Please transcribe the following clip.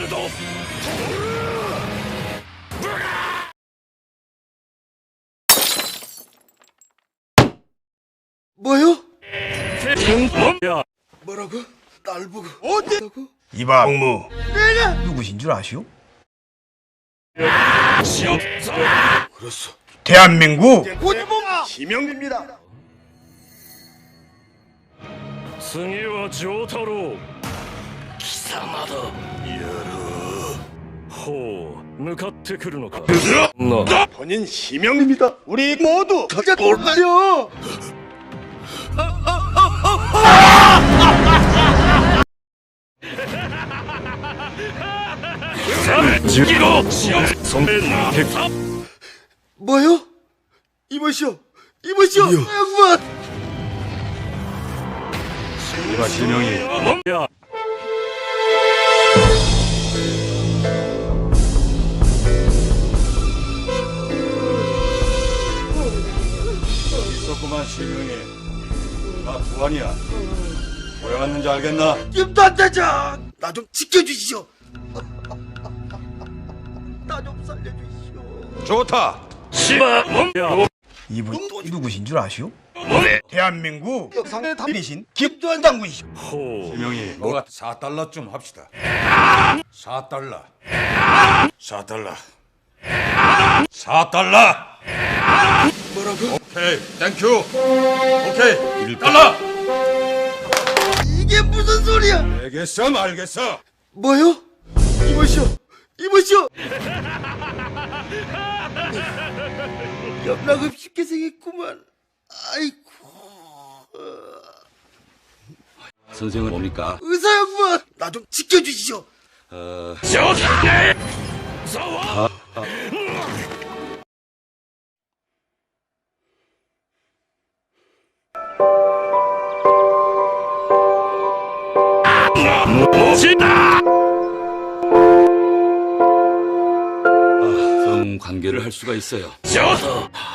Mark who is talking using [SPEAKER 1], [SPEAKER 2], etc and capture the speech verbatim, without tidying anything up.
[SPEAKER 1] 뭐요? 뭐라고? 날 보고 어디라고?
[SPEAKER 2] 이봐 공무
[SPEAKER 1] 내가
[SPEAKER 2] 누구신 줄 아시오?
[SPEAKER 1] 그렇소.
[SPEAKER 2] 대한민국
[SPEAKER 1] 지명입니다.
[SPEAKER 3] 次は丈太郎。
[SPEAKER 1] 貴様だ。
[SPEAKER 3] ほう、向かってくるのか。な、
[SPEAKER 1] 본인 지명입니다. 우리 모두 가자 돌려. 뭐요? 이보시오, 이보시오, 양반.
[SPEAKER 2] 이봐 실명이
[SPEAKER 3] 야,
[SPEAKER 2] 있었구만 실명이 나 두환이야 왜 왔는지 알겠나?
[SPEAKER 1] 김단대장, 나 좀 지켜주시오. 나 좀 살려주시오.
[SPEAKER 2] 좋다
[SPEAKER 3] 씨발, 야,
[SPEAKER 2] 이분 누구신 줄 아시오? 대한민국
[SPEAKER 1] 역상의
[SPEAKER 2] 담이신 김두한 장군이시오.
[SPEAKER 3] 호,
[SPEAKER 2] 실명이
[SPEAKER 4] 뭐가 사 달러 좀 합시다. 사 달러. 사 달러. 사 달러.
[SPEAKER 1] 뭐라고?
[SPEAKER 4] 오케이, 땡큐. 오케이, 일 달러.
[SPEAKER 1] 이게 무슨 소리야?
[SPEAKER 4] 알겠어, 말겠어.
[SPEAKER 1] 뭐요? 이보시오, 이보시오. 염락업 쉽게 생겼구만. 아이고.
[SPEAKER 5] 선생은 뭡니까?
[SPEAKER 1] 의사 양반, 나 좀 지켜주시오.
[SPEAKER 5] 어... 아, 성 관계를 할 수가 있어요.